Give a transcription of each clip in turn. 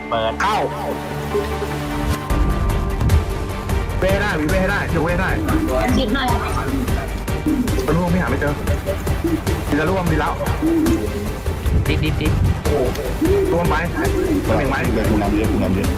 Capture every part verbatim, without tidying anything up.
เปิดเข้าเว้ได้เว้ได้เชื่อเว้ได้ชิดหน่อยตะลุ่มไม่หาไม่เจอดีละร่วมดีแล้วดิดดิดดิดร่วมไปตัวหนึ่งไหมเดี๋ยวคุณนำเยอะคุณนำเยอะ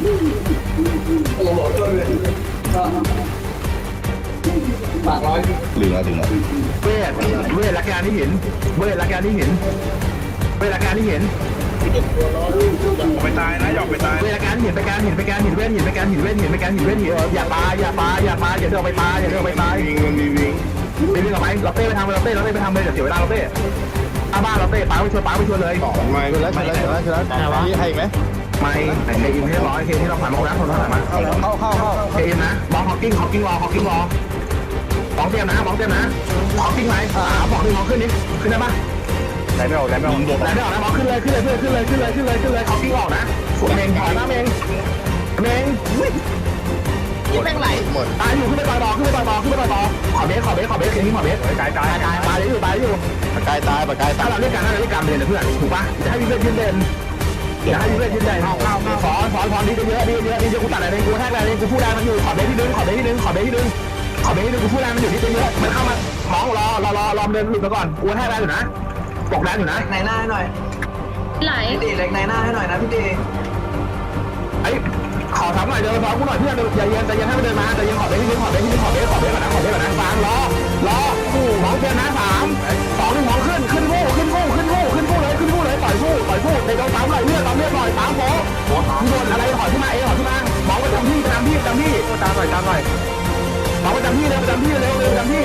เหลือถึงแล้วเว้เว้รักการที่เห็นเว้รักการที่เห็นเว้รักการที่เห็นไปตายนะหยอกไปตายเว้รักการเห็นไปการเห็นไปการเห็นเว้เห็นไปการเห็นเว้เห็นไปการเห็นเว้เห็นอย่าปาอย่าปาอย่าปาอย่าเดินไปปาอย่าเดินไปปาวิ่งมันมีวิ่งไปวิ่งออกไปเราเต้ไปทำเราเต้เราเต้ไปทำเลยเดี๋ยวเสียเวลาเราเต้อาบ้าเราเต้ปาไปชวนปาไปชวนเลยต่อไม่แล้วแล้วแล้วแล้วมีใครไหมไม่ไหนอินให้ร้อยเคที่เราผ่านมาแล้วคนเท่าไหร่มาเข้าเข้าเข้าเข้าเคอินนะบอลฮอกกิ้งฮอกกิ้งรอฮอกกิ้งรอสองเตรียมนะสองเตรียมนะฮอกกิ้งไหมอ่าบอกหนึ่งมองขึ้นนิดขึ้นได้ปะไหนไม่ออกไหนไม่ออกไหนไม่ออกนะมองขึ้นเลยขึ้นเลยขึ้นเลยขึ้นเลยขึ้นเลยขึ้นเลยฮอกกิ้งออกนะฝนเมงถอยนะเมงเมงยิ่งแม่งไหลหมดตายอยู่ขึ้นไปต่อยบอลขึ้นไปต่อยบอลขึ้นไปต่อยบอลขอเบสขอเบสขอเบสอย่างนี้ขอเบสตายตายตายตายอยู่ตายอยู่ปากกายตายปากกายตายถ้าเราเรียกกันถ้าเราเรียกกันเลยเพื่อนถูกปะจะให้วิเวกยืนเด่นจะให้วิเวกยืนเด่นสอนสอนสอนดีเยอะดีเยอะดีเยอะกูตัดอะไรกูแทกอะไรกูพูดแรงมันอยู่ขอเบสที่นึงขอเบสที่นึงขอเบสที่นึงขอเบสที่นึงกูพูดแรงมันอยู่ที่เยอะมันเข้ามามองรอรอรอรอเดินหลุดมาก่อนกูแทกแรงอยู่นะบอกแรงอยู่นะในหน้าให้หน่อยไหลพี่ตีเล็กในหน้าให้หน่อยนะพี่ตีไอ้ขอทำหน่อยเดินซ้อมกูหน่อยเพื่อนอย่าเย็นใจเย็นให้มันเดินมาใจเย็นขอเบสที่นึงขอเบสที่นึงขอเบสขอเบสก่อนนะขอเบสก่อนนะฟังรอรอคู่มองเจอนะสามสองหนึ่งมองขึ้นขึ้นคู่ขึ้นคู่ขึ้นคู่ขึ้นคู่เลยขึ้นคู่เลยต่อยคู่ต่อยคู่ในกองสามหน่อยเลือดตามเลือดหน่อยสามโป๊ะโดนอะไรถอยขึ้นมาเองถอยขึ้นมามองประจำที่ประจำที่ประจำที่ตามหน่อยตามหน่อยมองประจำที่เร็วประจำที่เร็วเร็วประจำที่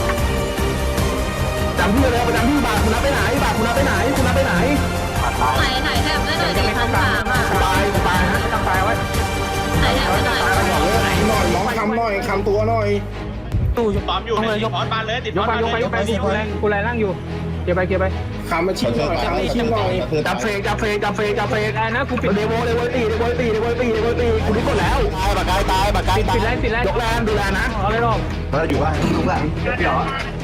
ประจำที่เร็วประจำที่บาคุณนับไปไหนบาคุณนับไปไหนคุณนับไปไหนไหลไหลแทบได้หน่อยดิพันสามอ่ะตายตายนะตายไว้ไหลแทบได้หน่อยหน่อยน้องคำหน่อยคำตัวหน่อยตู้ยกต้อมอยู่เลยยกพอดบ้านเลยติดพอดบ้านเลยยกไปกูแรงกูแรงนั่งอยู่เกียร์ไปเกียร์ไปคำมาชิมหน่อยคำมาชิมหน่อยจับเฟกจับเฟกจับเฟกจับเฟกได้นะกูปิดเดโวเดโวตีเดโวตีเดโวตีเดโวตีกูนี่กดแล้วตายปากกายตายปากกายตายปิดแรงปิดแรงยกแรงดูแลนะเอาเลยรอบมาอยู่บ้านลุกหลังเดี๋ยว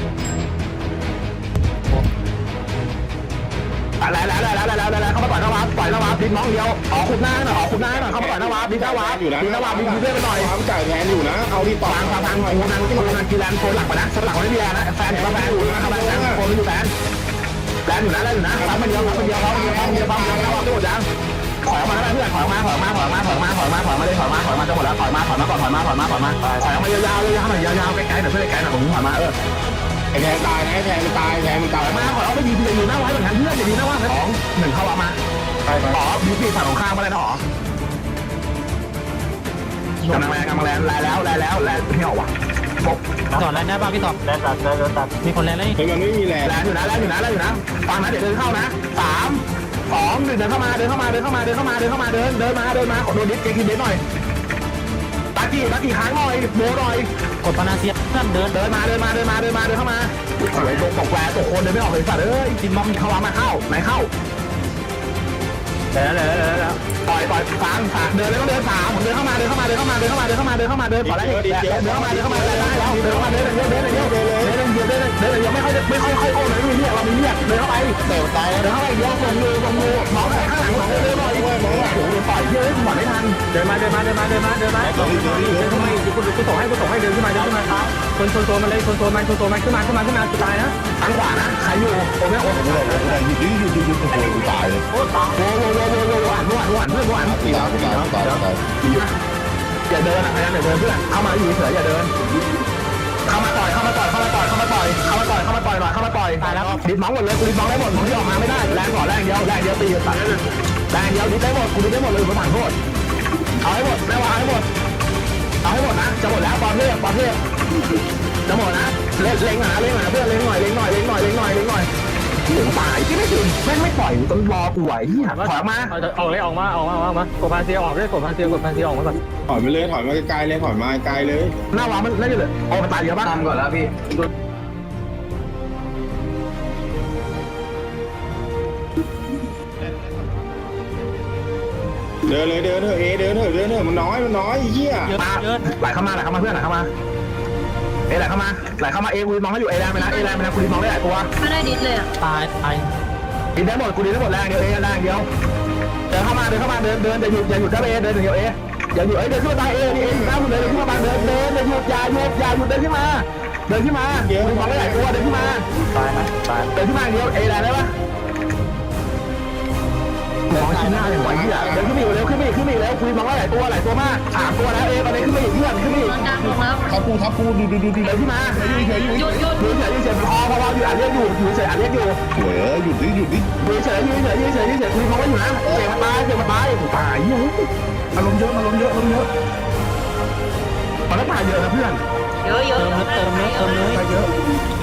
แล้วแล้วแล้วแล้วแล้วแล้วเข้ามาต่อยนวัดต่อยนวัดดิ้นน้องเดียวออกขุดหน้าหน่อยออกขุดหน้าหน่อยเข้ามาต่อยนวัดดิ้นนวัดอยู่นะดิ้นนวัดดิ้นเพื่อนไปหน่อยความจ่ายแทนอยู่นะเอาที่ต่อฟังฟังฟังโอ้นันโอ้นันกีฬาโซนหลักไปนะโซนหลักไม่มีนะแฟนเห็นว่าแฟนอยู่นะครับแฟนโซนอยู่แฟนแฟนอยู่นะแล้วอยู่นะปั๊มมันเดียวปั๊มมันเดียวปั๊มมันเดียวปั๊มมันเดียวปั๊มมันเดียวปั๊มโดดยังถอยมาแล้วเพื่อนถอยมาถอยมาถอยมาถอยมาถอยมาถอยมาเลยถอยมาถอยมาจะหมดแล้วถอยมาถอยมาก่อนถอยมาถอยมาถอยมาถอยมายาวๆเลยยาวหน่อยยาวๆไกลๆหน่อยเพื่อนไกลๆหน่อยผมถอยมาเออไอ้แทนตายนะไอ้แทนมันตายแทนมันตายมาขอเอาไปยิงพี่จะอยู่หน้าไว้เหมือนกันเพื่อนจะดีหน้าว่าสองหนึ่งเข้ามาไปไปอ๋อบีบีฝั่งของข้างมาเลยนะอ๋อกำลังแรงกำลังแรงแรงแล้วแรงแล้วแรงไม่ออกว่ะต่อแรงได้ป่ะพี่ต่อแรงตัดแรงตัดมีคนแรงเลยเฮ้ยมันไม่มีแรงแรงอยู่นะแรงอยู่นะแรงอยู่นะฟังนะเดี๋ยวเดินเข้านะสามสองหนึ่งเดินเข้ามาเดินเข้ามาเดินเข้ามาเดินเข้ามาเดินเข้ามาเดินเดินมาเดินมาขอโดนดิสเกคินเดนหน่อยตากี้ตากี้ค้างหน่อยโบหน่อยกดปานาเซียเพื่อนเดินเดินมาเดินมาเดินมาเดินมาเดินเข้ามาโอ้ยตกตกแหวนตกคนเดินไม่ออกเลยสัตว์เอ้ยจิมมองเข้ามาเข้าไหนเข้าแล้วแล้วแล้วแล้วปล่อยปล่อยฟังฟังเดินเลยต้องเดินสามผมเดินเข้ามาเดินเข้ามาเดินเข้ามาเดินเข้ามาเดินเข้ามาเดินเข้ามาเดินขอแล้วเดินเข้ามาเดินเข้ามาเดินได้แล้วเดินเข้ามาเดินเดินเดินเดินเดินเดินเดินเดินเดินเดินไม่ค่อยไม่ค่อยค่อยโอ้เลยไม่มีเรียกเรามีเรียกเดินเข้าไปเตะตายเดินเข้าไปเดียวส่งมือส่งมือมองไปข้างหลังเดินเดินหน่อยโอ้โหปล่อยเยอะหมดไม่ทันเดินมาเดินมาเดินมาเดินมาเดินมาเดินขึ้นมากูกูส่งให้กูส่งให้เดินขึ้นมาเดินขึ้นมาชนชนโซนมาเลยชนโซนมาชนโซนมาขึ้นมาขึ้นมาขึ้นมาสุดท้ายนะทางขวานะใครอยู่โอ้ไม่โอ้โหยืดยืดยืดยืดโอ้ยตายเลยโอ้ตายโอ้โหโอ้โหโอ้โหหวานหวานหวานเพื่อนหวานตีแล้วตีแล้วตายตายอย่าเดินอ่ะพยายามอย่าเดินเพื่อนเข้ามาอยู่เฉยอย่าเดินเข้ามาต่อยเข้ามาต่อยเข้ามาต่อยเข้ามาต่อยเข้ามาต่อยเข้ามาต่อยหน่อยเข้ามาต่อยตายแล้วดิดมองหมดเลยกูดิดมองได้หมดมองที่ออกมาไม่ได้แรงก่อนแรงเดียวแรงเดียวตีตัดแรงเดียวดิดได้หมดกูดิดได้หมดเลยกูถังโทษเอาให้หมดแม่วางให้หมดเอาให้หมดนะจะหมดแล้วบอลเรียกบอลเรียกจะหมดนะเล่นเล็งหนาเล็งหนาเพื่อนเล็งหน่อยเล็งหน่อยเล็งหน่อยเล็งหน่อยเล็งหน่อยถึงตายที่ไม่ถึงแม่งไม่ปล่อยต้นรอกูไหวที่หักถอยมาออกเลยออกมาออกมาออกมากดพาเซียออกเลยกดพาเซียกดพาเซียออกมาก่อนถอยไปเลยถอยมาไกลเลยถอยมาไกลเลยหน้าวามันน่าจะเลยโอ้มันตายเยอะมากตามก่อนแล้วพี่เดินเลยเดินเถอะเอเดินเถอะเดินเถอะมันน้อยมันน้อยเหี้ยไหลเข้ามาไหลเข้ามาเพื่อนไหลเข้ามาเอไหลเข้ามาไหลเข้ามาเอกูมองให้อยู่เอแรงไปนะเอแรงไปนะกูมองได้หลายตัวไม่ได้ดิสเลยอ่ะตายตายดินได้หมดกูดินได้หมดแรงเดียวเอแรงเดียวเดินเข้ามาเดินเข้ามาเดินเดินอย่าหยุดอย่าหยุดนะเอเดินเดี๋ยวเออย่าหยุดเอ้ยเดินขึ้นมาเอนี่เออยู่หน้าคุณเลยเดินขึ้นมาเดินเดินอย่าหยุดอย่าหยุดอย่าหยุดเดินขึ้นมาเดินขึ้นมาเดี๋ยวมองไม่ไหลตัวเดินขึ้นมาตายไหมตายเดินขึ้นมาเดียวเอได้ไหมวะมองชิ้นหน้าอย่างไรเนี่ยเดินขึ้นมาอีกเร็วขึ้นมาอีกขึ้นมาอีกเร็วคุยมองว่าหลายตัวหลายตัวมากสามตัวแล้วเอตอนนี้ขึ้นมาอีกเพื่อนขึ้นมาอีกโดนดังลงแล้วทับปูทับปูดูดูดูดูเดินขึ้นมาหยุดหยุดยืนเฉยยืนเฉยพอพออยู่อ่านเรียกอยู่อยู่เฉยอ่านเรียกอยู่สวยเออหยุดดิหยุดดิยืนเฉยยืนเฉยยืนเฉยยืนเฉยคุยมองว่าอยู่นะเสียงมันตายเสียงมันตายตายเยอะอารมณ์เยอะอารมณ์เยอะอารมณ์เยอะมันก็ตายเยอะนะเพื่อนเยอะเยอะเติมเลยเติมเลยเติมเลยตายเยอะ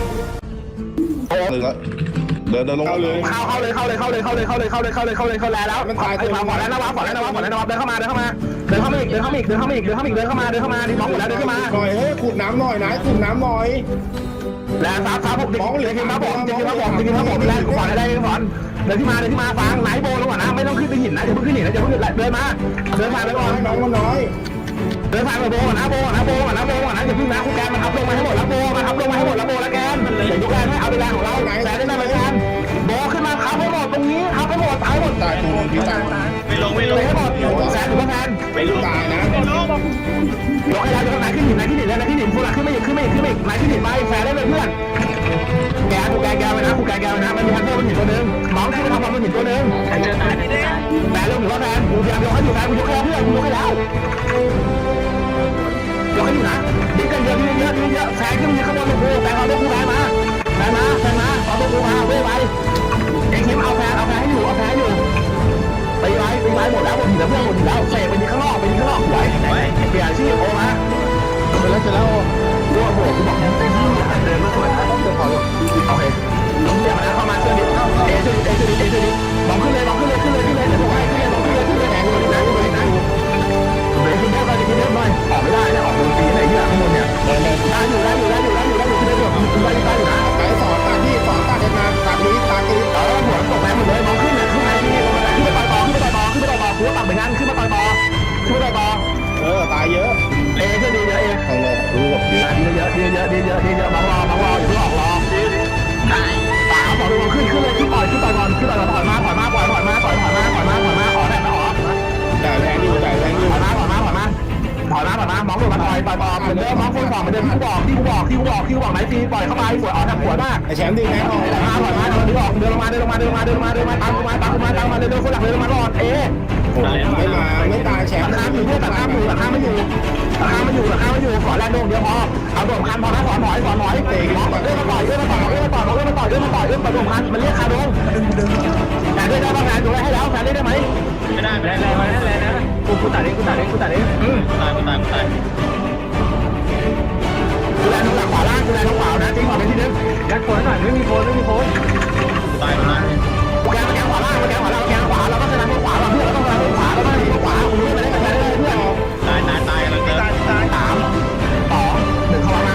เลยละเดินเดินลงเลยเข้าเข้าเลยเข้าเลยเข้าเลยเข้าเลยเข้าเลยเข้าเลยเข้าเลยเข้าเลยเข้าเลยเข้าแล้วมันตายตัวก่อนแล้วนะวะก่อนแล้วนะวะก่อนแล้วนะวะเดินเข้ามาเดินเข้ามาเดินเข้ามาอีกเดินเข้ามาอีกเดินเข้ามาอีกเดินเข้ามาอีกเดินเข้ามาเดินเข้ามาดิมองหมดแล้วเดินเข้ามาหน่อยเฮ้ยขุดน้ำหน่อยนะขุดน้ำหน่อยแล้วซับซับผมดิจะกินมาผมจะกินมาผมจะกินมาผมแล้วก่อนอะไรก่อนเดินที่มาเดินที่มาฟังไหนโบลงก่อนนะไม่ต้องขึ้นไปหินนะอย่าเพิ่งขึ้นหินนะอย่าเพิ่งขึ้นเดินมาเดินมาไปก่อนน้องมันน้อยเดินทางไปโบก่อนนะโบก่อนนะโบก่อนนะโบก่อนนะอย่าเพิ่งนะคุณแกมันทับลงมาให้หมดแล้วโบมาทับลงมาให้หมดแล้วโบแล้วแกนอย่ายกแรงให้เอาเวลาของเราไหนแต่ได้ไหมแกนโบขึ้นมาทับให้หมดตรงนี้ทับให้หมดตายหมดตายปูพี่ตายไม่ลงไม่ลงให้หมดแซนหรือว่าแซนไปลูกตายนะยกให้แล้วยกไหนขึ้นหินไหนขึ้นหินแล้วไหนขึ้นหินคุณละขึ้นไม่หยุดขึ้นไม่หยุดขึ้นไม่หยุดไหนขึ้นหินไปแซนได้เลยเพื่อนแกกูแกแกไปนะกูแกแกไปนะมันมีฮันเตอร์มันหินตัวนึงน้องขึ้นไปทำความมันหินตัวนึงเจอตายเจอตายแซนเรื่องหรือว่าแซนกูพยายามยกให้อยู่แซนกูยกให้แล้วเพื่อนกูยกให้แล้วยกให้อยู่นะดีกันเยอะดีเยอะดีเยอะแซงขึ้นมาข้างบนเลยกูแซงเอาตัวกูแซงมาแซงมาแซงมาเอาตัวกูมาเว้ยไปเอ็งคิมเอาแซงเอาแซงให้อยู่เอาแซงให้อยู่ไปไว้ไปไว้หมดแล้วหมดแล้วเพื่อนหมดแล้วเสกไปที่ข้างนอกไปที่ข้างนอกไหวเปลี่ยนชื่อโอมาเสร็จแล้วเสร็จแล้วโอ้โหกูบอกเดินมาสวยนะเดินพอเลยโอเคเดี๋ยวมาเข้ามาเชื่อดิเอเชื่อดิเอเชื่อดิเอเชื่อดิมองขึ้นเลยมองขึ้นเลยขึ้นเลยขึ้นเลยเดี๋ยวผมให้ขึ้นเลยมองขึ้นเลยขึ้นเลยแหงเลยนะขึ้นเลยนะเดี๋ยวขึ้นเยอะไปขึ้นเยอะหน่อยออกไม่ได้เนี่ยออกดนตรีไหนที่หลังข้างบนเนี่ยได้อยู่ได้อยู่ได้อยู่ได้อยู่ได้อยู่ขึ้นได้อยู่ได้ได้อยู่นะไปสอนตาที่สอนตาเดินมาตานี้ตานี้เออหัวตกแรงหมดเลยมองขึ้นเนี่ยขึ้นไปที่ขึ้นไปต่อต่อขึ้นไปต่อต่อขึ้นไปต่อต่อหัวต่ำเหมือนกันขึ้นมาต่อต่อขึ้นไปต่อต่อเออตายเยอะเอเชื่อดีเยอะเอทางลงรู้แบบเยอะดีเยอะดีเยอะดีเยอะดีเยอะมองรอมองรออย่าเพิ่งออกรอตายสามสองหนึ่งขึ้นขึ้นเลยขึ้นต่อยขึ้นต่อยก่อนขึ้นต่อยก่อนถอยมาถอยมาปล่อยถอยมาถอยถอยมาถอยมาถอยมาออกได้ไหมออกจ่ายแรงอยู่จ่ายแรงอยู่ถอยมาถอยมาถอยมาถอยมาถอยมามองดูมาต่อยต่อยต่อเหมือนเดิมมองคนสองเหมือนเดิมที่กูบอกที่กูบอกที่กูบอกที่กูบอกไหนทีปล่อยเข้าไปสวยออกทางหัวมากไอแชมป์ดีแน่นอนถอยมาถอยมาเดินออกเดินลงมาเดินลงมาเดินลงมาเดินลงมาเดินลงมาตามลงมาตามลงมาตามมาเดินเดินคนหลักเดินลงมาก่อนเอ๊ะไม่มาไม่ตายแชมราป์คาอยู่ด้วยราคาอยู่ราคาไม่อยู่ราคาไม่อยู่ราคาไม่อยู่ขอแรงโด่งเดียวพอเอาโด่งพันพอนะสอนหน่อยสอนหน่อยเตะเอื้อมาต่อยเอื้อมาต่อยเอื้อมาต่อยเอื้อมาต่อยเอื้อมาต่อยเอื้อมาต่อยเอื้อมาโด่งพันมันเรียกคาโด่งแต่ได้ได้บ้างงานดูแลให้แล้วแต่ได้ได้ไหมไม่ได้ไม่แรได้งแรงมาแรงนะกูกูตัดเองกูตัดเองกูตัดเองอืมตายตายตายดูแลทางหลังขวาล่างดูแลทางขวานะจริงขวาเป็นที่นึงยัดโคนหน่อยไม่มีโคนไม่มีโคนตายตายแกมาแกขวาล่างมาแกขวาล่างแกขวาเราต้องชนะขวาเราเพื่อนเราต้องชนะขวาเราต้องชนะขวาคุณไม่ได้กันได้เลยเพื่อนตายตายตายกำลังเติมสามสองหนึ่งเข้ามา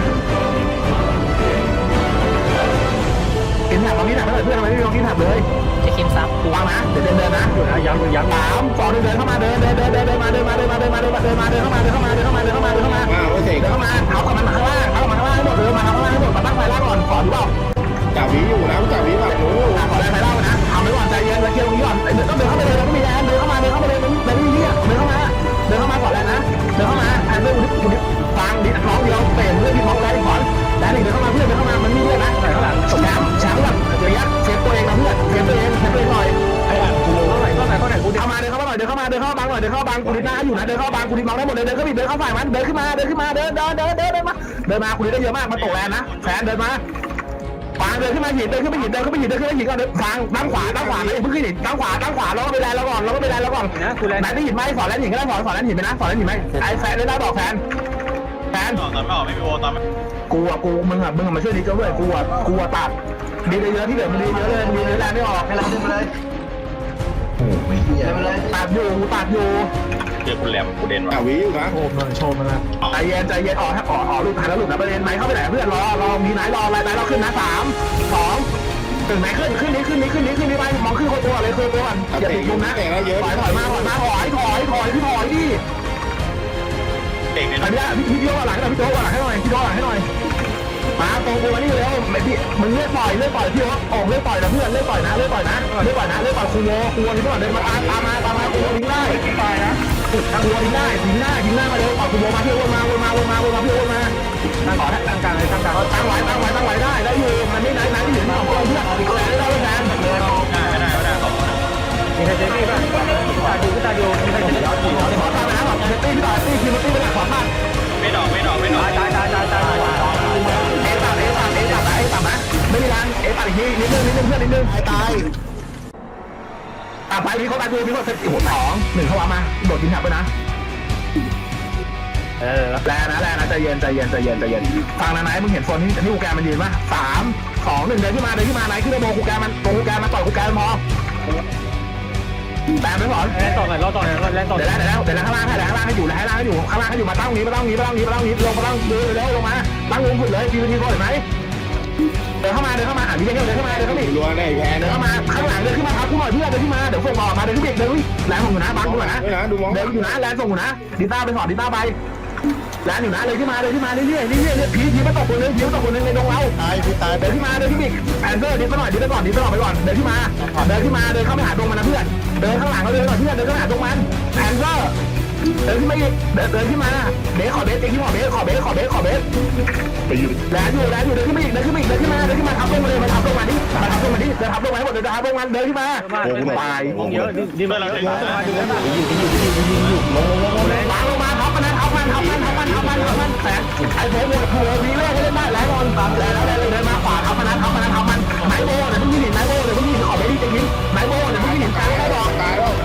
กินแถบตรงนี้แถบเลยเพื่อนทำไมไม่ลงกินแถบเลยจะคิมซับวางนะเดินเดินเดินนะอยู่นะย้ำอยู่ย้ำสามสองเดินเดินเข้ามาเดินเดินเดินเดินเดินมาเดินมาเดินมาเดินมาเดินมาเดินมาเดินเข้ามาเดินเข้ามาเดินเข้ามาเดินเข้ามาเดินเข้ามามาโอเสกเดินเข้ามาเท้ากับมันมาข้างล่างเท้ากับมันข้างล่างให้หมดเดินมาข้างล่างให้หมดมาตั้งไฟล่างก่อนขอดูเปล่าจ่าวีอยู่นะจ่าวีแบบรู้ขอแรงไฟล่างนะทำไว้ก่อนใจเย็นเคลียร์ตรงนี้ก่อนต้องเดินเข้าไปเลยต้องมีแรงเดินเข้ามาเดินเข้ามาเลยมันมันไม่มีเดินเข้ามาเดินเข้ามาก่อนแล้วนะเดินเข้ามาแอนเดอร์คุณฟังดิน้องเดียวเตะเพื่อนที่น้องแรงก่อนแล้วหนึ่งเดินเข้ามาเพื่อนเดินเข้ามามันมีเรื่องนะใส่ข้างหลังแชมป์แชมป์แบบระยะเซฟตัวเองนะเพื่อนเซฟตัวเองเซฟตัวเองหน่อยไอ้อ่านกูเข้าไหนเข้าไหนเข้าไหนกูเดี๋ยวเข้ามาเดินเข้ามาหน่อยเดินเข้ามาเดินเข้าบังหน่อยเดินเข้าบังกูดิหน้าอยู่นะเดินเข้าบังกูดิมองได้หมดเลยเดินเข้าไปเดินเข้าฝ่ายมันเดินขึ้นมาเดินขึ้นมาเดินเดินเดินเดินเดินมาเดินมากูดิได้เยอะมากมาตกแรงนะแฟนเดินมาฟังเดินขึ้นมาหินเดินขึ้นไปหินเดินขึ้นไปหินเดินขึ้นไปหินก่อนเดินฟังตั้งขวาตั้งขวาไม่เพิ่งขึ้นหินตั้งขวาตั้งขวาแล้วก็ไปแรงแล้วก่อนแล้วก็ไปแรงแล้วก่อนนะกูแรงไหนได้หินไหมสอนแรงหินก็ได้สอนสอนแรงหินไหมนะสอนแรงหินไหมไอ้แฟนได้ได้บอกแฟนแฟนตอนไม่ออกไม่มีโวตอนกูอ่ะกูมึงอ่ะมึงอ่ะมาช่วยดีเจ้าด้วยกูอ่ะกูอ่ะตัดดีเยอะที่เหลือมันดีเยอะเลยมันดีเยอะแรงไม่ออกให้เราเดินไปเลยโอ้ไม่เหี้ยเดินไปเลยตัดอยู่กูตัดอยู่เจอคุณแหลมกูเด่นว่ะจ่าวีอยู่นะโชว์มันโชว์มันละใจเย็นใจเย็นออกให้ออกออกลูกหันแล้วหลุดนะประเด็นไหนเข้าไปไหนเพื่อนรอรอมีไหนรออะไรไหนเราขึ้นนะสามสองถึงไหนขึ้นขึ้นนี้ขึ้นนี้ขึ้นนี้ขึ้นนี้ไปมองขึ้นคนตัวเลยขึ้นตัวก่อนอย่าติดมุมนะถอยถอยมาถอยมาถอยถอยถอยพี่ถอยดิเด็กเนี่ยอันนี้พี่พี่โยกหลังให้หน่อยพี่โยกหลังให้หน่อยพี่โยกหลังให้หน่อยมาตรงกูมานี่เร็วไม่พี่มึงเลือกปล่อยเลือกปล่อยพี่ว่าออกเลือกปล่อยนะเพื่อนเลือกปล่อยนะเลือกปล่อยนะเลือกปล่อยนะเลือกปล่อยคูโวคูโวนี่ก่อนเดินมาตามตามมาตามมาคูโวทิ้งได้ตายนะคูโวทิ้งได้ทิ้งหน้าทิ้งหน้ามาเลยปล่อยคูโวมาพี่วนมาวนมาวนมาวนมาพี่วนมาตั้งต่อตั้งกลางเลยตั้งกลางตั้งไว้ตั้งไว้ตั้งไว้ได้ได้อยู่มันไม่ไหนไหนที่อยู่ที่ของเพื่อนอีกแล้วได้แทนไม่ได้ไม่ได้ไม่ได้ขอมีใครเจ๊พี่ป่ะตาดูตาดูมีใครเจ๊ขอตามไปนะแบบตีพี่ต่อยตีคิวตีไปหลังขวาบ้านไม่ดอกไม่ดอกไม่ดอกตายตายตายตายตายเอตัดเอตัดเอตัดนะเอตัดนะไม่มีแรงเอตัดอีกทีนิดนึงนิดนึงเพื่อนนิดนึงตายตายอ่ะไปพี่เขาตายดูพี่เขาเซตหัวสองหนึ่งเข้ามาโดดกินแถบไปนะเออแรงนะแรงนะใจเย็นใจเย็นใจเย็นใจเย็นฟังนะไหนมึงเห็นโซนที่ที่กูแกมันยืนป่ะสามสองหนึ่งเดินขึ้นมาเดินขึ้นมาไหนขึ้นไปโบกูแกมันโบกูแกมันต่อยกูแกมันพอแบนไปก่อนแรงต่อหน่อยรอต่อหน่อยแรงต่อเดี๋ยวแล้วเดี๋ยวแล้วเดี๋ยวแล้วข้างล่างให้ข้างล่างให้อยู่ข้างล่างให้อยู่ข้างล่างให้อยู่มาตั้งนี้มาตั้งนี้มาตั้งนี้มาตั้งนี้ลงมาตั้งดูเร็วลงมาตั้งวงขุดเลยทีทีก่อนเห็นไหมเดินเข้ามาเดินเข้ามาอ่ะพี่เดินเข้ามาเดินเข้ามารัวได้แพ้เดินนะเข้ามาข้างหลังเดินขึ้นมาครับกูหน่อยเพื่อนเดินขึ้นมาเดี๋ยวส่งต่อมาเดินขึ้นเบรกเดินแรงส่งอยู่นะบังกูหน่อยนะไม่นะดูมองเดินอยู่นะแรงส่งอยู่นะดิต้าไปสอนดิต้าไปแรงอยู่นะเลยขึ้นมาเลยขึ้นมาเรื่อยๆเรื่อยๆพีพีมาตกคนนึงพีมาตกคนนึงในดงเราตายพี่ตายเดินขึ้นมาเดินขึ้นอีกแอนเซอร์ดิไปหน่อยดิไปก่อนดิไปก่อนไปก่อนเดินขึ้นมาเดินขึ้นมาเดินเข้าไปหาดงมันนะเพื่อนเดินข้างหลังเราเดินก่อนเพื่อนเดินเข้าหาดงมันแอนเซอร์เดินขึ้นมาอีกเดินเดินขึ้นมาเบสขอเบสเองที่ขอเบสขอเบสขอเบสขอเบสไปอยู่แรงอยู่แรงอยู่เดินขึ้นมาอีกเดินขึ้นมาอีกเดินขึ้นมาเดินขึ้นมาทับลงมาเลยมาทับลงมาดิมาทับลงมาดิเดินทับลงมาให้หมดเดินทับลงมาเดินขึ้นมาตายเยอะดิมาเราจะมาดูกันวางลงมาทับมันนะทับมันทับมันทับมันทับมันทับมันแสนไอ้โบว์โบว์วีเล่เล่นได้แล้วนอนตัดแล้วแล้วเดินมาขวาทับมันนะทับมันนะทับมันไหนโบว์เดี๋ยวมึงยืนไหนโบว์เดี๋ยวมึงยืนขอเบสดิจะยิงไหนโบว์เดี๋ยวมึงยืนกลางได้บอกตายแล้ว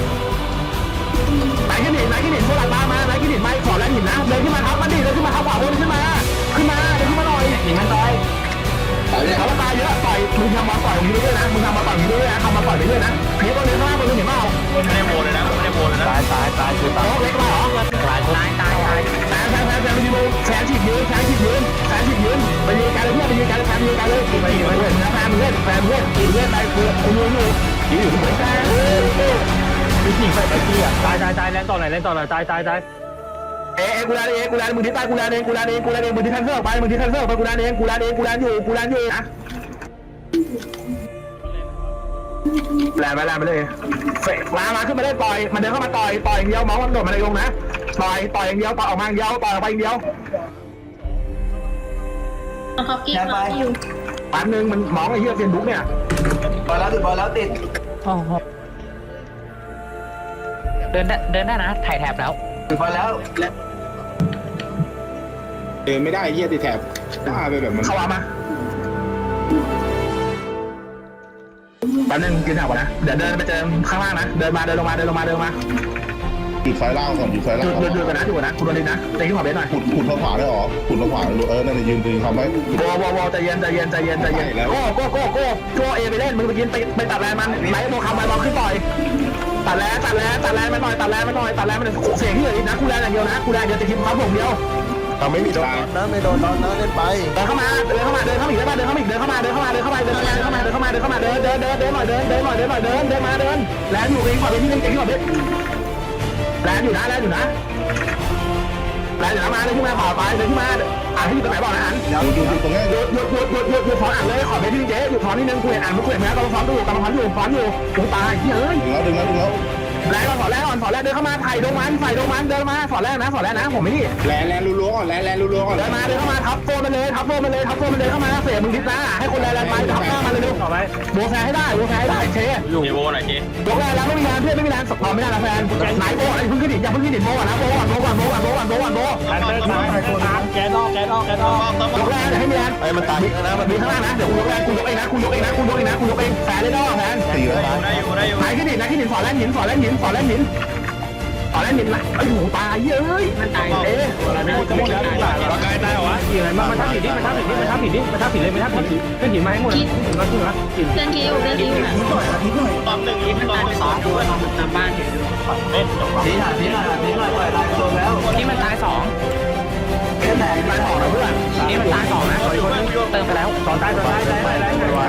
ไหนขึ้นหินไหนขึ้นหินโซลัดมามาไหนขึ้นหินไม่ขอแล้วหินนะเดินขึ้นมาทับมันดิเดินขึ้นมาทับขวาบนขึ้นมาขึ้นมาเดินขึ้นมาหน่อยหินมันตายเขาตายเยอะต่อยมึงทำมาต่อยมึงเรื่อยๆนะมึงทำมาต่อยมึงเรื่อยๆนะทำมาต่อยไปเรื่อยนะเพี้ยบนเรือข้างล่างบนเรือเห็นเปล่าไม่ได้โมเลยนะไม่ได้โมเลยนะตายตายตายคือตายโต๊ะเล็กมาเหรอตายตายตายตายแซงแซงแซงแซงไปยืนแซงฉีดยืนแซงฉีดยืนแซงฉีดยืนไปยืนกันเลยเพื่อนไปยืนกันแซงยืนกันเลยไปยืนไปเพื่อนนะแซงเพื่อนแซงเพื่อนยืนเพื่อนไปเพื่อนกูยืนอยู่ยืนอยู่เหมือนกันมีสิ่งไปไปที่อ่ะตายตายตายแรงต่อหน่อยแรงต่อหน่อยตายตายตายเอ๊ะกูแลเองกูแลมึงที่ใต้กูแลเองกูแลเองกูแลเองมึงที่ทันเซอร์ไปมึงที่ทันเซอร์ไปกูแลเองกูแลเองกูแลอยู่กูแลอยู่นะแลไปแลไปเลยเฟกมามาขึ้นมาได้ต่อยมันเดินเข้ามาต่อยต่อยอย่างเดียวมองมันโดดมาเลยลงนะต่อยต่อยอย่างเดียวต่อยออกมาอย่างเดียวต่อยออกไปอย่างเดียวเขากิ๊กเขาอยู่ปันหนึ่งมันมองไอ้เหี้ยเซียนบุ๊กเนี่ยบอลแล้วติดบอลแล้วติดเดินได้เดินได้นะถ่ายแถบแล้วติดบอลแล้วเดินไม่ได้เหี้ยติดแถบว่าไปแบบมันเข้ามาปันหนึ่งกินแถวก่อนนะเดี๋ยวเดินไปเจอข้างล่างนะเดินมาเดินลงมาเดินลงมาเดินลงมาจุดไฟล่างก่อนจุดไฟหล่างยุดหยุดหยุดกันนะหยุดกันนะคุณโดนดินนะเตะขึ้นหัวเบสหน่อยขุดขุดทางขวาได้หรอขุดทางขวาเออนั่นยืนยืนทำไว้โก้โก้โก้ใจเย็นใจเย็นใจเย็นใจเย็นโก้โก้โก้โก้โก้เอไปเล่นมึงไปกินไปไปตัดแรงมันไหนโมคำไปบอลขึ้นต่อยตัดแรงตัดแรงตัดแรงมันหน่อยตัดแรงมันหน่อยตัดแรงมันเสียงที่เหลืออีกนะกูแรงอย่างเดียวนะกูแรงเดียวจะกินความผมเดียวเราไม่มีโดนนะไม่โดนนะเล่นไปเดินเข้ามาเดินเข้ามาเดินเข้ามาอีกได้ป่ะเดินเข้ามาอีกเดินเข้ามาเดินเข้ามาเดินเข้ามาเดินเข้ามาเดินเข้ามาเดินเข้ามาเดินเดินเดินเดินหน่อยเดินเดินหน่อยเดินหน่อยเดินเดินมาเดินแรงอยู่เองขอเป็นที่หนึ่งเก่งที่ขอเป็นแรงอยู่นะแรงอยู่นะแรงอยู่นะมาเลยขึ้นมาต่อไปเดินขึ้นมาอ่านที่ตรงไหนบอกนะอ่านอยู่อยู่อยู่ตรงนี้หยุดหยุดหยุดหยุดหยุดหยุดถอนอ่านเลยขอเป็นที่หนึ่งเจ๊หยุดถอนนิดนึงคุยอ่านไม่คุยแม้กำลังถอนอยู่กำลังถอนอยู่ถอนอยู่กูตายเฮ้ยดึงแล้วดึงแล้วดึงแล้วแรงก่อนถอนแรงก่อนถอนแรงเดินเข้ามาไถ่ดงมันไถ่ดงมันเดินมาถอนแรงนะถอนแรงนะผมไม่นี่แลนแลนรัวๆก่อนแลนแลนรัวๆก่อนเดินมาเดินเข้ามาทับโฟมันเลยทับโฟมันเลยทับโฟมันเลยเข้ามาเสียมึงดิสนะให้คนแรงไปทับหน้ามันเลยเร็วต่อไปโบแฟให้ได้โบแฟให้ได้เชอยู่โมหน่อยเจ๊โบแฟแล้วไม่มีแรงเพื่อนไม่มีแรงสปอร์ไม่ได้ละแฟนไหนโบอะไรพึ่งขึ้นดิอย่าพึ่งขึ้นดิโบก่อนนะโบก่อนโบก่อนโบก่อนโบก่อนโบก่อนโบตายตายตายแกนออกแกนออกแกนออกยกแรงเดี๋ยวให้มีแรงไอ้มันตายนะมันมีข้างล่างนะเดี๋ยวคุณยกแรงคุณยกเองนะคุณยกเองนะคุณยกเองนะคุณยกเองแฟนเลยดอแฟนตีแล้วได้อยู่ได้อยู่ไหนขึ้นดิไหนขึ้นดิสอนแรงหินสอนแรงหินสอนแรงหินสอนแรงหินนะไอ้หูตายเย้ยมันตายเอ๊ะไม่หมดจะหมดแล้วตายร่างกายตายเหรอวะกี่อะไรมามันทับผิดดิมันทับผิดดิมันทับผิดดิมันทับผิดเลยมันทับผิดขึ้นหินมาให้หมดมาขึ้นมาหินเพื่อนที่อยู่เพื่อนที่อยู่นะตอมหนึ่งอีกมันตอตายมไปสสออง งอยู่ตามบ้านเห็นเล่นจบทีหน่อยทีหน่อยทีหน่อยปล่อยลายโดนแล้วนี่มันตายสองแค่ไหนตายสองนะเพื่อนนี่มันตายสองนะเติมไปแล้วตอนตายตอนตายตายตายตาย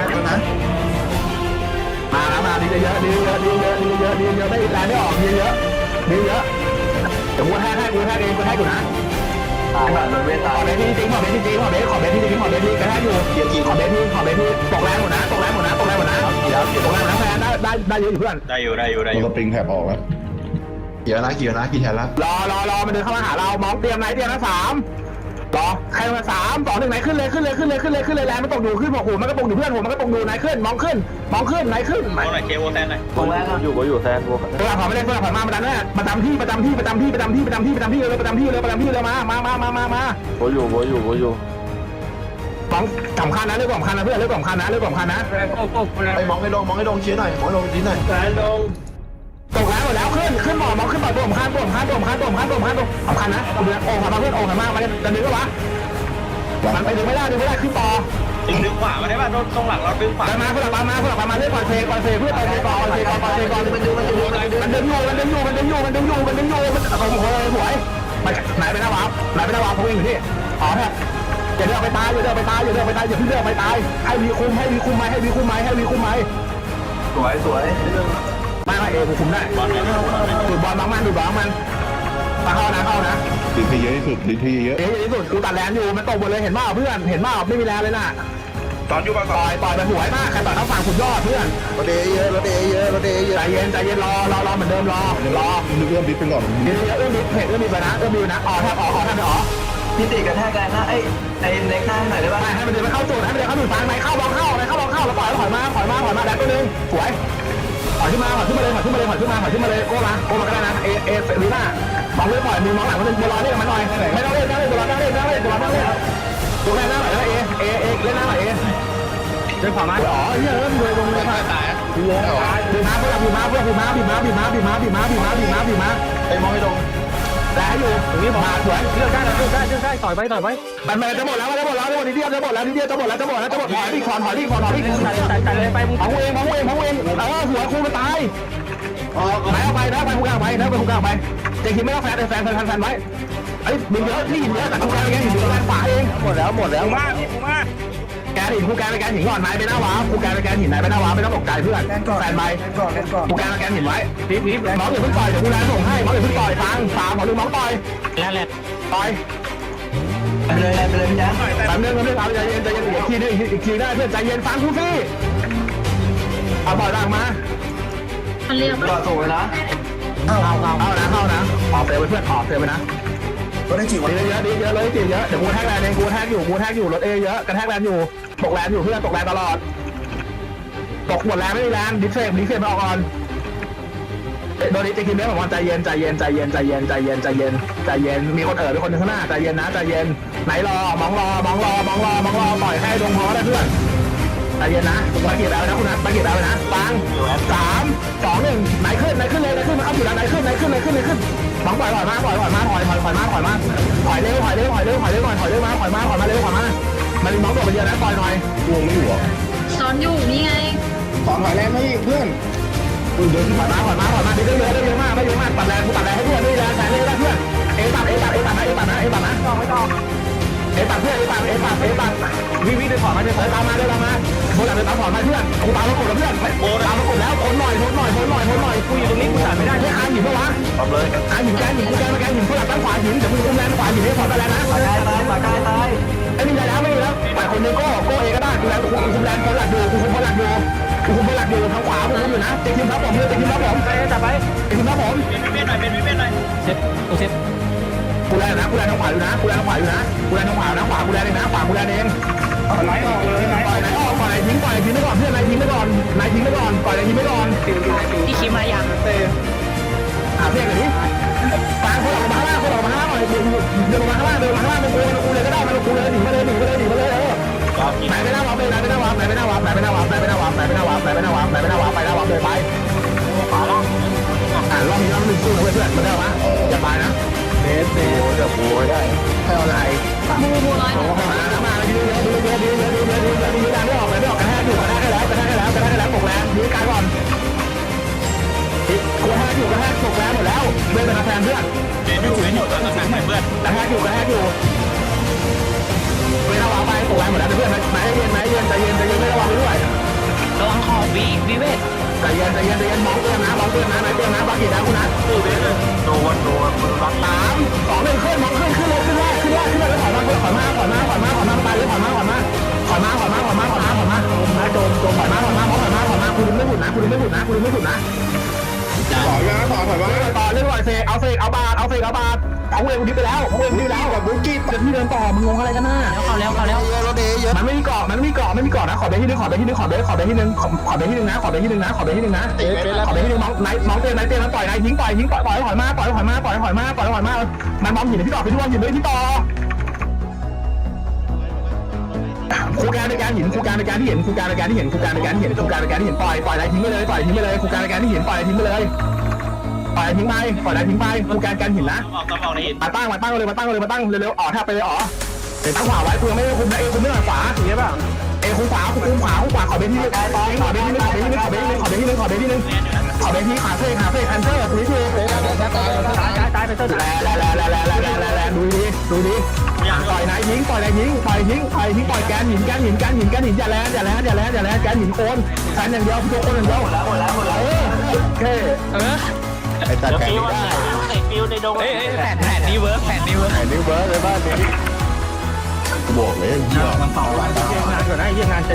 มาแล้วมาดีเยอะดีเยอะดีเยอะดีเยอะดีเยอะได้แรงไม่ออกดีเยอะดีเยอะเดี๋ยวกูแทกให้กูแทกเองกูแทกอยู่นะไอ้บ้านเวทขตาอย เบสที่จริงขอเบสที่จริงขอเบสขอเบสที่จริงขอเบสที่กระแทกอยู่เกียร์ทีขอเบสที่ขอเบสที่ตกแรงหมดนะตกแรงหมดนะตกแรงหมดนะตกแรงหมดนะแฟนได้ได้ได้เยอะอยู่เพื่อนได้อยู่ได้อยู่ได้อมันยู่สปริงแถบออกแล้วเกี่ยวนะเกี่ยวนะกี่แทนละรอรอรอมันเดินเข้ามาหาเรามองเตรียมไหนเตรียมนะสามรอใครมาสามสองหนึ่งไหนขึ้นเลยขึ้นเลยขึ้นเลยขึ้นเลยขึ้นเลยแรงมันตกอยู่ขึ้นบอกหูมันก็ตกอยู่เพื่อนหูมันก็ตกอยู่ไหนขึ้นมองขึ้นมองขึ้นไหนขึ้นโอ้หน่อยเคโอแทนหน่อยตรงแรกอยู่ก็อยู่แซนบวกเวลาผ่านไม่ได้เวลาผ่านมาประจำเนี่ยประจำที่ประจำที่ประจำที่ประจำที่ประจำที่ประจำที่เลยประจำที่เลยประจำที่เลยมามามามามามาโบอยู่โบอยู่โบอยู่มองสำคัญนะเรื่องสำคัญนะเพื่อนเรื่องสำคัญนะเรื่องสำคัญนะไอ้มองให้ลงมองให้ลงเชียร์หน่อยมองให้ลงนิดหน่อยแซนลงตกแล้วหมดแล้วขึ้นขึ้นบ่อมองขึ้นบ่อตัวสำคัญตัวสำคัญตัวสำคัญตัวสำคัญตัวสำคัญตัวสำคัญนะตัวเดือดโอ่งมาเพื่อนโอ่งมามันจะดึงก็วะมันไปดึงไม่ได้ดึงไม่ได้ขึ้นต่อดึงดึงขวามาได้ป่ะตรงหลังเราดึงขวาไปมาเพื่อนมาเพื่อนมาเล่นก่อนเซก่อนเซเพื่อนก่อนเซก่อนเซก่อนเซก่อนมันดึงมันดึงมันดึงมันดึงอยู่มันดึงอยู่มันดึงอยู่มันดึงอยู่มันดึงอยู่มันโอ้โหสวยมันไหนไปหน้าวาร์ปไหนไปหน้าวาร์ปพวกเองอยู่ที่อ๋อแท้อย่าเดินไปตายอย่าเดินไปตายอย่าเดินไปตายอย่าเพิ่งเดินไปตายให้วีคุมให้วีคุมไหมให้วีคุมไหมให้วีคุมไหมสวยสวยไม่ไม่เอกูคุมได้ดูดบอลบางมันดูดบอลมันมาเข้านะเข้านะดิที่เยอะที่สุดดิที่เยอะเอ๊ะที่สุดกูตัดแลนอยู่มันตกหมดเลยเห็นเปล่าเพื่อนเห็นเปล่าไม่มีแลนเลยน่ะตอนอยู่ป่ะต่อยต่อยไปหวยมากใครต่อยเขาฝั่งขุนยอดเพื่อนรถเดย์เยอะรถเดย์เยอะรถเดย์เยอะใจเย็นใจเย็นรอรอรอเหมือนเดิมรอรอนึกเรื่องดิฟเป็นก่อนเดี๋ยวเอื้อมดิเพจเอื้อมดิไปนะเอื้อมดินะอ๋อแทบอ๋ออ๋อแทบอ๋อพี่ติกระแทกแรงนะไอ้ไอ้เล็กหน้าหน่อยได้ป่ะให้มันเดินไปเข้าจุดให้มันเดินเข้าจุดฟังไหนเข้าบอลเข้าไหนเข้าบอลเข้าแล้วปล่อยถอยมาถอยมาถอยมาแดกตัวนึงสวยถอยขึ้นมาถอยขึ้นมาเลยถอยขึ้นมาเลยถอยขึ้นมาถอยขึ้นมาเลยโก้มาโก้มาก็ได้นะเอเอเฟลิน่ามองเลยปล่อยมือมองหลังมันเป็นบอลเล่นมันหน่อยไม่ต้องเล่นไม่ต้องเล่นบอลเล่นไม่ต้องเล่นบอลเล่นตัวแม่หน้าหน่อยนะเอเอเอเล่นหน้าหน่อยเอเดินขวามาอ๋อเฮ้ยเริ่มเลยลงเลยมาตายบีมาเพื่อนบีมาเพื่อนบีมาบีมาบีมาบีมาบีมาบีมาบีมาบีมาไอ้มองให้ลงแต่อยู่ตรงนี้มาสวยเลือกได้เลือกได้เลือกได้ต่อยไปต่อยไปมันมันจะหมดแล้วจะหมดแล้วจะหมดนิดเดียวจะหมดแล้วนิดเดียวจะหมดแล้วจะหมดแล้วจะหมดถอยดิขอนถอยดิขอนถอยดิใส่ใส่ใส่เลยไปมึงเอาเองเอาเองเอาเองเออหัวคูมันตายไหนเอาไปนะไปคูกลางไปนะไปคูกลางไปเจ๊คิดไม่ต้องแฟนแฟนแฟนแฟนไว้ไอ้มึงเยอะนี่หินเยอะแต่คูกลางแกหินคูกลางฝาเองหมดแล้วหมดแล้วมาพี่ผมมาแกหินคูกลางไปแกหินก่อนไหนไปหน้าวาคูกลางไปแกหินไหนไปหน้าวาไม่ต้องตกใจเพื่อนแฟนไปคูกลางไปแกหินไว้พีพีแรงมองอย่าเพิ่งปล่อยเดี๋ยวกูแลส่งให้มองอย่าเพิ่งปล่อยฟังสามขอลืมมองปล่อยแล้วแหละปล่อยไปเลยไปเลยพี่แจ๊คแป๊บนึงแป๊บนึงเอาใจเย็นใจเย็นอีกทีนึงอีกทีได้เพื่อนใจเย็นฟังกูสิเอาปล่อยร่างมามันเรียกต่อว่าสูงเลยนะเอาเอาเอานะเข้านะออกเซลไปเพื่อนออกเซลไปนะก็ได้จีบดีเยอะดีเยอะเลยดีเยอะเดี๋ยวกูแท็กแลนเองกูแท็กอยู่กูแท็กอยู่รถเอเยอะกระแทกแลนอยู่ตกแลนอยู่เพื่อนตกแลนตลอดตกหมดแลนไม่มีแลนดิเซฟดิเซฟมาออกก่อนโดนดิจะคิดได้บอกว่าใจเย็นใจเย็นใจเย็นใจเย็นใจเย็นใจเย็นใจเย็นมีคนเอ๋อเป็นคนข้างหน้าใจเย็นนะใจเย็นไหนรอมองรอมองรอมองรอมองรอปล่อยให้ดงพอได้เพื่อนใจเย็นนะตะเกียบแล้วนะคุณนะตะเกียบแล้วนะฟังสามสองหนึ่งไหนขึ้นไหนขึ้นเลยไหนขึ้นมาเข้าอยู่แล้วไหนขึ้นไหนขึ้นไหนขึ้นไหนขึ้นมองปล่อยปล่อยมาปล่อยปล่อยมาปล่อยปล่อยปล่อยมาปล่อยมาปล่อยเร็วปล่อยเร็วปล่อยเร็วปล่อยเร็วหน่อยปล่อยเร็วมาปล่อยมาปล่อยมาเร็วปล่อยมามันมองตัวไปเยอะนะปล่อยหน่อยวงไม่อยู่หรอซ้อนอยู่นี่ไงสอนถอยแรงไม่เพื่อนเดินปล่อยมาปล่อยมาปล่อยมาเยอะเยอะเยอะมากไม่เยอะมากตัดแรงกูตัดแรงให้เพื่อนนี่แรงแรงนี่แรงเพื่อนเอตัดเอตัดเอตัดนะเอตัดนะเอตัดนะต้องไม่ต้องเอตัดเพื่อนเอตัดเอตัดเอตัดวิวิเดินขวามาเดินเดินตามมาเดินตามมาโบราณเดินตามขอนมาเพื่อนกูตามมากดแล้วเพื่อนตามมากดแล้วทนหน่อยทนหน่อยทนหน่อยทนหน่อยกูอยู่ตรงนี้กูตัดไม่ได้ให้อาหินปะวะตบเลยอาหินแกหินกูแกมาแกหินเพื่อนตั้งขวาหินเดี๋ยวมึงอุ้มแรงขวาหินให้ขอตะแรงนะปากกายตายปากกายตายไอ้นี่ได้แล้วไม่มีแล้วฝ่ายคนนึงโก้โก้เอก็ได้กูแรงกูคุมแรงคนหลักอยู่กูคุมคนหลักอยู่กูคุมคนหลักอยู่ทางขวากูคุมอยู่นะเจ๊คิมครับผมเจ๊คิมครับผมไปจับไปเจ๊คิมครับผมเป็นวิเวียนหน่อยเป็นวิเวียนหน่อยเซ็ตกูเซ็ตกูแรงนะกูแรงทางขวาอยู่นะกูแรงทางขวาอยู่นะกูแรงทางขวานะขวากูแรงเองนะขวากูแรงเองไหลออกเลยไหลปล่อยไหนออกปล่อยไหนทิ้งปล่อยไหนทิ้งไปก่อนเพื่อนไหนทิ้งไปก่อนไหนทิ้งไปก่อนปล่อยไหนทิ้งไปก่อนพี่คิมมายังหาเพื่อนกันดิฟังคนออกมาข้างล่างคนออกมาข้างล่างหน่อยเดินมาข้างล่างเดินมาข้างล่างมันกูมันกูเลยก็ได้มันกูเลยหนีมาเลยหนีมาเลยหนีมาเลยเออไหนไปหน้าวับเลยไหนไปหน้าวับไหนไปหน้าวับไหนไปหน้าวับไหนไปหน้าวับไหนไปหน้าวับไหนไปหน้าวับไหนไปหน้าวับไปหน้าวับเลยไปอ่ารอบนี้รอบนึงสู้นะเพื่อนมันได้ไหมอย่าไปนะเบสเบสเดี๋ยวโวยได้ให้เอาอะไรบูบูร้อยหนึ่งมามายืนเยอะยืนเยอะยืนเยอะยืนเยอะยืนเยอะยืนเยอะไม่ออกไม่ออกกระแทกอยู่กระแทกให้แล้วกระแทกให้แล้วกระแทกให้แล้วตกแรงยืนกายก่อนกระแทกอยู่กระแทกตกแรงหมดแล้วเพื่อนเป็นแทนเพื่อนเดี๋ยวอยู่เดี๋ยวอยู่ตอนนั้นเพื่อนกระแทกอยู่กระแทกอยู่ไม่ระวังไปตกแรงหมดแล้วเพื่อนไหนเย็นไหนเย็นใจเย็นใจเย็นไม่ระวังไปด้วยระวังขอบวีวิเวทใจเย็นใจเย็นใจเย็นมองเตือนนะมองเตือนนะไหนเตือนนะบางทีนะคุณนะตู้เบสเลยโดนโดนมันรักสามสองหนึ่งขึ้นมองขึ้นขึ้นเลยขึ้นแรกขึ้นแรกขึ้นมาเลยถอยมาถอยมาถอยมาถอยมาถอยมาไปเลยถอยมาถอยมาถอยมาถอยมาถอยมาถอยมาถอยมาโดนโดนถอยมาถอยมาถอยมาถอยมาคุณไม่หยุดนะคุณไม่หยุดนะคุณไม่หยุดนะถอยมาถอยถอยมาต่อเล่นหน่อยเซเอาเซเอาบาทเอาเซเอาบาทเอาเวรคุณดิไปแล้วเอาเวรคุณดิไปแล้วกับบุกี้จะที่เดินต่อมึงงงอะไรกันน่ะเข้าแล้วเข้าแล้วมันไม่มีเกาะมันไม่มีเกาะไม่มีเกาะนะขอเบที่นึงขอเบที่นึงขอเบขอเบที่นึงขอขอเบที่นึงนะขอเบที่นึงนะขอเบที่นึงนะขอเบที่นึงน้องไหนน้องเต้นไหนเต้นมาต่อยไหนทิ้งต่อยทิ้งต่อยต่อยถอยมาต่อยถอยมาต่อยถอยมาต่อยถอยมามันบอมหินพี่ต่อพี่ด้วงหินด้วยพี่ต่อครูการในการหินครูการในการที่เห็นครูการในการที่เห็นครูการในการที่เห็นครูการในการที่เห็นปล่อยปล่อยไหนทิ้งไปเลยปล่อยทิ้งไปเลยครูการในการที่เห็นปล่อยทิ้งไปเลยปล่อยทิ้งไปปล่อยไหนทิ้งไปครูการการหินนะมาตั้งมาตั้งเลยมาตั้งเลยมาตั้งเร็วๆอ๋อถ้าไปเลยอ๋อเดี๋ยวตั้งขวาไว้คุณไม่คุมนะเอคุมไม่หน่อยขวาอย่างเงี้ยป่ะเอคุมขวาคุมขวาคุมขวาขอเบนที่นึงขอเบนที่นึงขอเบนที่นึงขอเบนที่นึงขอเบนที่นึงขอเบนที่นึงขอเบนที่ขาเฟ่ขาเฟ่คันเซอร์คุยคุยตายตายตายไปเส้นแลแลแลแลแลแลแลแลแลดูดีดูดีปล่อยไหนยิงปล่อยไหนยิงปล่อยยิงปล่อยยิงปล่อยแกนหินแกนหินแกนหินแกนหินอย่าแลอย่าแลอย่าแลอย่าแลแกนหินโคนแกนอย่างเดียวพี่โคนอย่างเดียวหมดแล้วหมดแล้วหมดแล้วเออโอเคเออไอ้ตัดแขนไม่ได้เอ้ยแผ่นแผ่นนี้เวิร์กแผ่นนี้เวิร์กแขนนิ้วเบิร์ดเลยบ้านนี้บอกเลยเหี้ยเยี่ยงงานก่อนนะเยี่ยงงาน